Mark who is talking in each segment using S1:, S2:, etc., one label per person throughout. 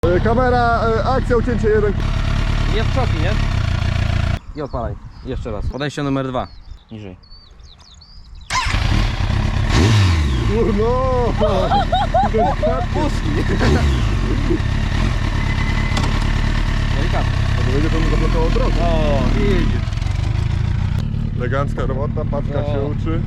S1: Kamera, akcja, ucięcie 1.
S2: Nie w czoki, nie? I odpalaj. Jeszcze raz. Podejście numer 2. Niżej.
S1: No!
S2: Puszki! Delikatnie.
S1: To będzie to zablokowało drogę.
S2: O, widzisz.
S1: Elegancka robota, paczka
S2: No.
S1: się uczy.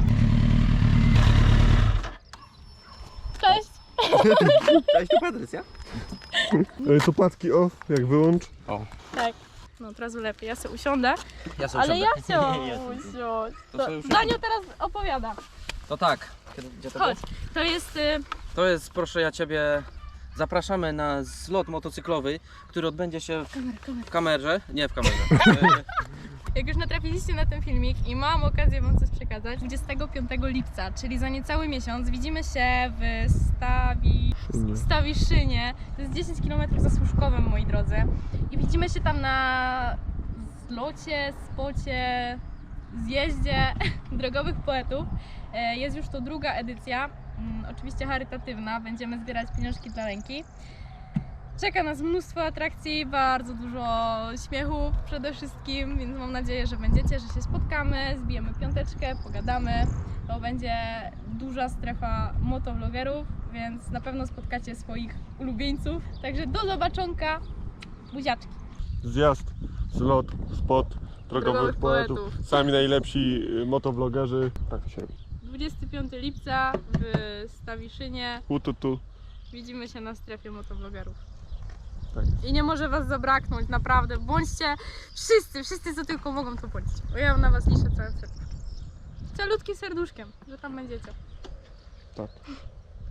S3: Cześć!
S2: Cześć, tu Patrycja.
S1: Tu paczki off, jak wyłącz.
S2: O.
S3: Tak. No teraz lepiej, ja sobie usiądę.
S2: Ja sobie
S3: Ale ja
S2: usiądę.
S3: chciałam
S2: Nie,
S3: usiąść.
S2: To
S3: To
S2: sobie usiądź.
S3: Daniu teraz opowiada.
S2: To tak. Gdzie to było?
S3: Chodź. To jest...
S2: To jest, proszę ja Ciebie, zapraszamy na zlot motocyklowy, który odbędzie się w kamerze. Nie w kamerze.
S3: Jak już natrafiliście na ten filmik i mam okazję Wam coś przekazać, 25 lipca, czyli za niecały miesiąc, widzimy się w Stawiszynie. To jest 10 km za Służkowem, moi drodzy. I widzimy się tam na zlocie, spocie, zjeździe drogowych poetów. Jest już to druga edycja, oczywiście charytatywna. Będziemy zbierać pieniążki dla ręki. Czeka nas mnóstwo atrakcji, bardzo dużo śmiechów przede wszystkim, więc mam nadzieję, że będziecie, że się spotkamy, zbijemy piąteczkę, pogadamy. To będzie duża strefa motovlogerów, więc na pewno spotkacie swoich ulubieńców. Także do zobaczonka, buziaczki.
S1: Zjazd, zlot, spot drogowych
S3: Drogowych
S1: poetów.
S3: poetów.
S1: Sami najlepsi motovlogerzy. Tak się robi.
S3: 25 lipca w Stawiszynie.
S1: Tu.
S3: Widzimy się na strefie motovlogerów.
S1: Tak.
S3: I nie może Was zabraknąć, naprawdę. Bądźcie wszyscy co tylko mogą, to bądźcie. Bo ja na Was liczę całym serduszkiem. Calutkim serduszkiem, że tam będziecie.
S1: Tak.